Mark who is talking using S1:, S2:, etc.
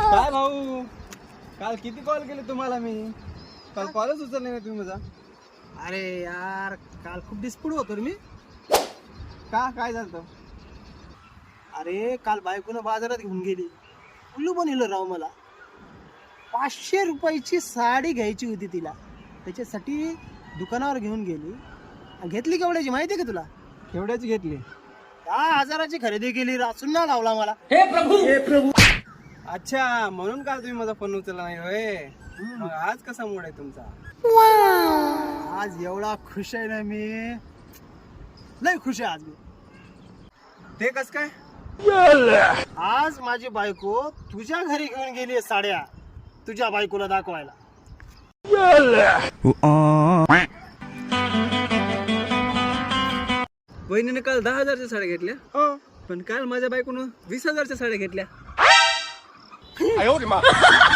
S1: काय भाऊ, काल किती कॉल केले तुम्हाला मी, काल कॉलच उचलले नाही तुम्ही माझा.
S2: अरे यार काल खूप डिस्प्यूट होतो रे मी.
S1: का काय झालं?
S2: अरे काल बायकोनं बाजारात घेऊन गेली, उल्लू बनवलं राव मला. 500 रुपयाची साडी घ्यायची होती तिला, त्याच्यासाठी दुकानावर घेऊन गेली. घेतली केवढ्याची माहिती आहे का तुला?
S1: केवढ्याची घेतली?
S2: 10,000ची खरेदी केली. चुन्ना लावला मला.
S1: हे प्रभू. अच्छा, म्हणून काल तुम्ही माझा फोन उचलला नाही होय. मग आज कसा मूड आहे तुमचा?
S2: आज एवढा खुश आहे ना मी, लय खुश आहे आज मी.
S1: ते कस काय?
S2: आज माझी बायको तुझ्या घरी घेऊन गेली साड्या, तुझ्या बायकोला दाखवायला.
S1: वहिनीने काल 10,000च्या साड्या घेतल्या, पण काल माझ्या बायकोनं 20,000च्या साड्या घेतल्या.